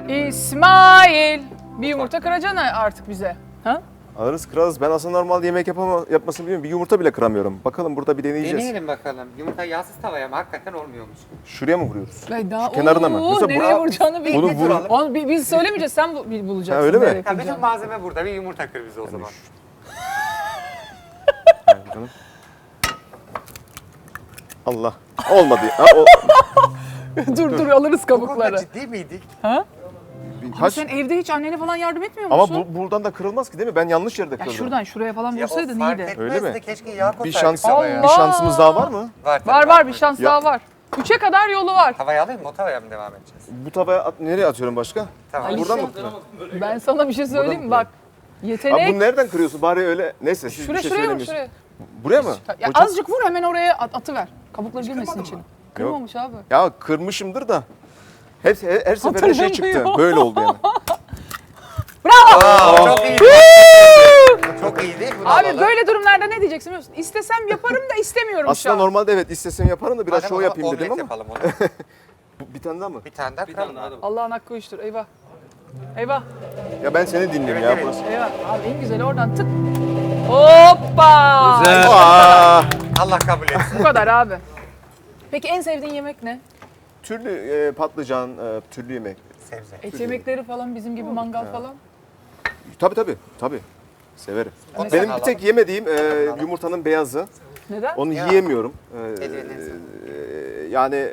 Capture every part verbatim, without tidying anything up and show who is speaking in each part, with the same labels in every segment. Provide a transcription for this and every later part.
Speaker 1: İsmail. Bir yumurta kıracaksın artık bize. Ha?
Speaker 2: Alırız kırarız. Ben aslında normal yemek yapama, yapmasını bilmiyorum. Bir yumurta bile kıramıyorum. Bakalım burada bir deneyeceğiz.
Speaker 3: Deneyelim bakalım. Yumurta yağsız tavaya mı? Hakikaten olmuyormuş.
Speaker 2: Şuraya mı vuruyoruz?
Speaker 1: Ay daha,
Speaker 2: Şu kenarına mı?
Speaker 1: Oo,
Speaker 2: Yoksa
Speaker 1: nereye
Speaker 2: bu-
Speaker 1: vuracağını bil.
Speaker 2: Bunu
Speaker 3: Bir
Speaker 2: vur.
Speaker 3: duralım.
Speaker 1: Onu bi- biz söylemeyeceğiz, sen bu- bil- bulacaksın.
Speaker 2: Ha, öyle mi?
Speaker 1: nereye
Speaker 3: Ya bütün
Speaker 1: kıracağını.
Speaker 3: malzeme burada. Bir yumurta kır bize o zaman.
Speaker 2: Hadi bakalım. Allah. Olmadı. Ha, o,
Speaker 1: dur dur alırız
Speaker 3: Bu konuda
Speaker 1: kabukları.
Speaker 3: ciddi miydik?
Speaker 1: Ha?
Speaker 2: bir-
Speaker 1: Ama sen evde hiç annene falan yardım etmiyor
Speaker 2: Ama
Speaker 1: musun?
Speaker 2: bu, buradan da kırılmaz ki değil mi? Ben yanlış yerde
Speaker 1: Ya
Speaker 2: kırdım.
Speaker 1: şuradan şuraya falan
Speaker 3: Ya o
Speaker 1: vursaydın
Speaker 3: fark
Speaker 1: iyiydi.
Speaker 3: etmez
Speaker 2: Öyle
Speaker 3: de
Speaker 2: mi?
Speaker 3: keşke yağ
Speaker 2: Bir
Speaker 3: koysaydık
Speaker 2: şans,
Speaker 3: tavaya.
Speaker 2: bir şansımız daha var mı?
Speaker 3: Var, tabii,
Speaker 1: Var var bir şans
Speaker 2: Ya-
Speaker 1: daha var. Üçe kadar yolu var.
Speaker 3: Tavaya alayım mı? O tavaya mı devam edeceğiz?
Speaker 2: Bu tavaya at, nereye atıyorum başka?
Speaker 3: Tamam.
Speaker 1: Ay,
Speaker 2: Buradan
Speaker 1: işte-
Speaker 2: mı kırıyorum?
Speaker 1: Ben sana bir şey söyleyeyim mi?
Speaker 2: mı
Speaker 1: Bak.
Speaker 2: Abi
Speaker 1: Yetenek.
Speaker 2: bunu nereden kırıyorsun? Bari öyle. Neyse siz
Speaker 1: Şuraya
Speaker 2: bir şey
Speaker 1: şuraya vur
Speaker 2: söylemiyorsun.
Speaker 1: şuraya.
Speaker 2: Buraya mı?
Speaker 1: Ya
Speaker 2: Hocam-
Speaker 1: azıcık vur hemen oraya at, atıver. Kabukları girmesin içine. Kırmamış abi.
Speaker 2: Ya kırmışımdır da. Hep, her, her seferinde şey çıktı.
Speaker 1: Hatırlamıyor.
Speaker 2: Böyle oldu yani.
Speaker 1: Bravo!
Speaker 3: Aa, çok iyiydi. Çok iyiydi. Bunu
Speaker 1: Abi
Speaker 3: alalım.
Speaker 1: böyle durumlarda ne diyeceksin biliyor musun? İstesem yaparım da istemiyorum şu
Speaker 2: Aslında
Speaker 1: an.
Speaker 2: normalde evet istesem yaparım da biraz
Speaker 3: Madem
Speaker 2: şov
Speaker 3: o
Speaker 2: yapayım
Speaker 3: omlet
Speaker 2: dedim ama.
Speaker 3: yapalım onu.
Speaker 2: Bu- Bir tane daha mı?
Speaker 3: Bir tane daha kıralım. abi.
Speaker 1: Allah'ın hakkı uyuştur. Eyvah. Eyvah.
Speaker 2: Ya ben seni dinleyeyim
Speaker 3: Evet,
Speaker 2: ya
Speaker 3: evet.
Speaker 2: burası.
Speaker 1: Eyvah. Abi en güzeli oradan tık. Hoppa.
Speaker 4: Güzel.
Speaker 2: Aa,
Speaker 3: Allah kabul etsin.
Speaker 1: Bu kadar abi. Peki en sevdiğin yemek ne?
Speaker 2: türlü e, patlıcan, e, türlü yemek.
Speaker 3: Sebze.
Speaker 1: Et yemekleri falan bizim gibi mangal falan.
Speaker 2: Tabii tabii, tabii. Severim.
Speaker 3: Onu sen
Speaker 2: Benim bir
Speaker 3: alalım.
Speaker 2: tek yemediğim e, yumurtanın beyazı.
Speaker 1: Neden?
Speaker 2: Onu
Speaker 3: Ya.
Speaker 2: yiyemiyorum. E,
Speaker 3: Ellerine
Speaker 2: e, yani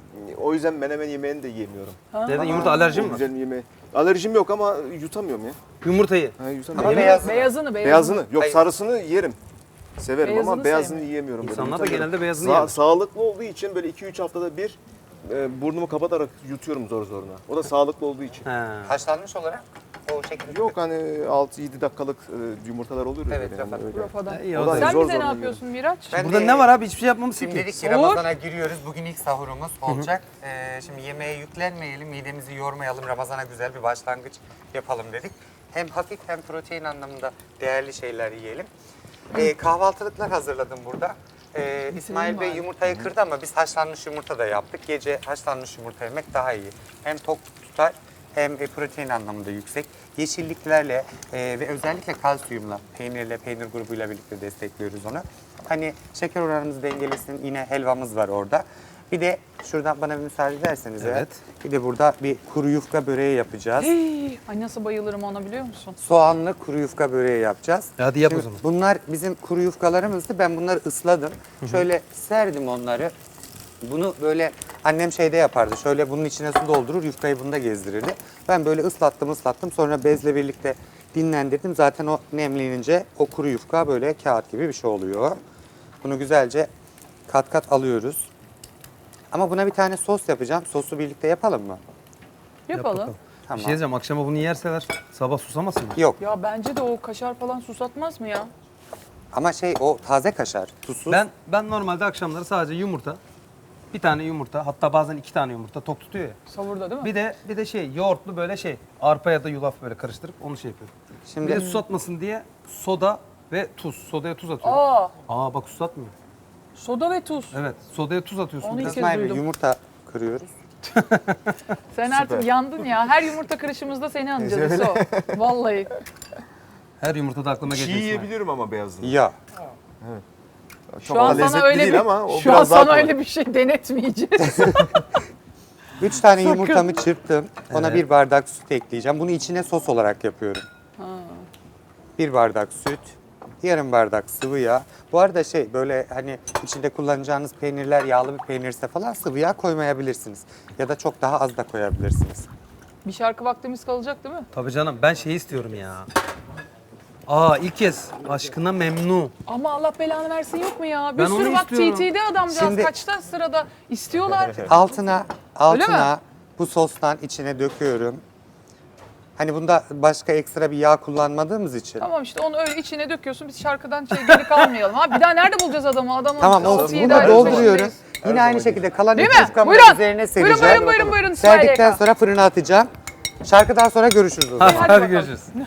Speaker 2: o yüzden menemen yemeğini de yiyemiyorum.
Speaker 4: Neden yumurta alerjin mi var?
Speaker 2: Güzel yemeği. Alerjim yok ama yutamıyorum ya.
Speaker 4: Yumurtayı.
Speaker 2: Ha, yutamıyorum.
Speaker 3: Ama
Speaker 2: Yemin-
Speaker 3: beyaz.
Speaker 1: Beyazını, beyazını.
Speaker 2: Beyazını. Yok
Speaker 3: Hayır.
Speaker 2: sarısını yerim. Severim
Speaker 1: Beyazını
Speaker 2: ama beyazını
Speaker 1: sevmiyorum.
Speaker 2: yiyemiyorum. böyle,
Speaker 4: İnsanlar da
Speaker 2: yutamıyorum.
Speaker 4: genelde beyazını
Speaker 2: Sa-
Speaker 4: yer.
Speaker 2: Sağlıklı olduğu için böyle iki üç haftada bir e, burnumu kapatarak yutuyorum zor zoruna. O da sağlıklı olduğu için.
Speaker 4: He.
Speaker 3: Haşlanmış olarak o şekilde.
Speaker 2: Yok hani altı yedi dakikalık e, yumurtalar olur ya.
Speaker 3: Evet,
Speaker 2: böyle, yani
Speaker 3: Rafa.
Speaker 2: öyle.
Speaker 1: Rafadan.
Speaker 4: İyi,
Speaker 2: O
Speaker 4: o
Speaker 2: da
Speaker 4: da-
Speaker 1: Sen
Speaker 2: zor
Speaker 1: bize ne
Speaker 2: zor
Speaker 1: yapıyorsun Miraç?
Speaker 3: Ben
Speaker 4: Burada
Speaker 3: de-
Speaker 4: ne var abi? Hiçbir şey yapmamışsın
Speaker 3: Şimdi
Speaker 4: ki.
Speaker 3: dedik ki
Speaker 1: Sahur.
Speaker 3: Ramazan'a giriyoruz. Bugün ilk sahurumuz olacak. Ee, şimdi yemeğe yüklenmeyelim, midemizi yormayalım. Ramazan'a güzel bir başlangıç yapalım dedik. Hem hafif hem protein anlamında değerli şeyler yiyelim. Ee, kahvaltılıklar hazırladım burada. Ee, İsmail Bey
Speaker 1: bari.
Speaker 3: yumurtayı kırdı ama biz haşlanmış yumurta da yaptık. Gece haşlanmış yumurta yemek daha iyi. Hem tok tutar hem e, protein anlamında yüksek. Yeşilliklerle e, ve özellikle kalsiyumla, peynirle, peynir grubuyla birlikte destekliyoruz onu. Hani şeker oranımız dengelesin, yine helvamız var orada. Bir de şuradan bana bir müsaade ederseniz eğer,
Speaker 4: Evet.
Speaker 3: bir de burada bir kuru yufka böreği yapacağız.
Speaker 1: Hey, ay nasıl bayılırım ona biliyor musun?
Speaker 3: Soğanlı kuru yufka böreği yapacağız.
Speaker 4: Hadi yap o
Speaker 3: Şimdi
Speaker 4: zaman.
Speaker 3: Bunlar bizim kuru yufkalarımızdı. Ben bunları ısladım. Şöyle serdim onları. Bunu böyle annem şeyde yapardı. Şöyle bunun içine su doldurur, yufkayı bunda gezdirirdi. Ben böyle ıslattım ıslattım. Sonra bezle birlikte dinlendirdim. Zaten o nemlenince o kuru yufka böyle kağıt gibi bir şey oluyor. Bunu güzelce kat kat alıyoruz. Ama buna bir tane sos yapacağım. Sosu birlikte yapalım mı?
Speaker 1: Yapalım.
Speaker 4: bakalım.
Speaker 3: Tamam.
Speaker 4: Bir şey diyeceğim. Akşama bunu yerseler sabah susamasın mı?
Speaker 3: Yok
Speaker 1: Ya bence de o kaşar falan susatmaz mı ya?
Speaker 3: ama şey o taze kaşar. Tuzsuz.
Speaker 4: Ben ben normalde akşamları sadece yumurta, bir tane yumurta, hatta bazen iki tane yumurta tok tutuyor ya.
Speaker 1: Savurda değil mi?
Speaker 4: Bir de bir de şey yoğurtlu böyle şey arpa ya da yulaf böyle karıştırıp onu şey yapıyorum.
Speaker 3: Şimdi
Speaker 4: Bir de susatmasın diye soda ve tuz. Sodaya tuz atıyorum.
Speaker 1: Aa,
Speaker 4: Aa bak susatmıyor.
Speaker 1: soda ve tuz.
Speaker 4: Evet, sodaya tuz atıyorsun.
Speaker 1: Onu
Speaker 4: biraz.
Speaker 1: ilk-
Speaker 3: İsmail Bey
Speaker 1: duydum.
Speaker 3: yumurta kırıyoruz.
Speaker 1: Sen artık yandın ya. Her yumurta kırışımızda seni anacağız o. Vallahi.
Speaker 4: Her yumurtada aklıma
Speaker 2: Çiğ
Speaker 4: geliyor. İsmail.
Speaker 2: yiyebilirim ama beyazını.
Speaker 3: Ya.
Speaker 2: Çok
Speaker 1: Şu an
Speaker 2: da
Speaker 1: sana
Speaker 2: lezzetli
Speaker 1: öyle
Speaker 2: değil
Speaker 1: bir
Speaker 2: ama o
Speaker 1: şu an
Speaker 2: biraz daha
Speaker 1: sana
Speaker 2: kolay.
Speaker 1: öyle bir şey denetmeyeceğiz.
Speaker 3: Üç tane
Speaker 1: Sakın.
Speaker 3: yumurtamı çırptım. Ona
Speaker 4: Evet.
Speaker 3: bir bardak süt ekleyeceğim. Bunu içine sos olarak yapıyorum. Bir bardak süt, yarım bardak sıvı yağ. Bu arada şey böyle hani içinde kullanacağınız peynirler yağlı bir peynirse falan sıvı yağ koymayabilirsiniz. Ya da çok daha az da koyabilirsiniz.
Speaker 1: Bir şarkı vaktimiz kalacak değil mi?
Speaker 4: Tabii canım ben şey istiyorum ya. Aa ilk kez aşkına memnun.
Speaker 1: Ama Allah belanı versin yok mu ya? Bir
Speaker 4: Ben
Speaker 1: sürü
Speaker 4: onu
Speaker 1: bak
Speaker 4: istiyorum.
Speaker 1: T T'de adamcağız
Speaker 3: Şimdi-
Speaker 1: kaçta sırada istiyorlar.
Speaker 3: Altına,
Speaker 1: Öyle
Speaker 3: altına
Speaker 1: mi?
Speaker 3: bu sostan içine döküyorum. Hani bunda başka ekstra bir yağ kullanmadığımız için.
Speaker 1: Tamam işte onu öyle içine döküyorsun. Biz şarkıdan şey geri kalmayalım. Ha bir daha nerede bulacağız adamı? Adamın
Speaker 3: Tamam
Speaker 1: altı,
Speaker 3: olsun.
Speaker 1: yedi
Speaker 3: Bunu
Speaker 1: aydır
Speaker 3: dolduruyoruz.
Speaker 1: peşindeyiz.
Speaker 3: Yine aynı şekilde kalan
Speaker 1: Değil
Speaker 3: iki
Speaker 1: mi?
Speaker 3: yufkamı
Speaker 1: Buyurun.
Speaker 3: üzerine
Speaker 1: Buyurun,
Speaker 3: sereceğim.
Speaker 1: buyurun, buyurun, buyurun. İsmail
Speaker 3: Serdikten
Speaker 1: Yaka.
Speaker 3: sonra fırına atacağım. Şarkıdan sonra görüşürüz o zaman.
Speaker 4: Hadi,
Speaker 1: bakalım.
Speaker 4: görüşürüz.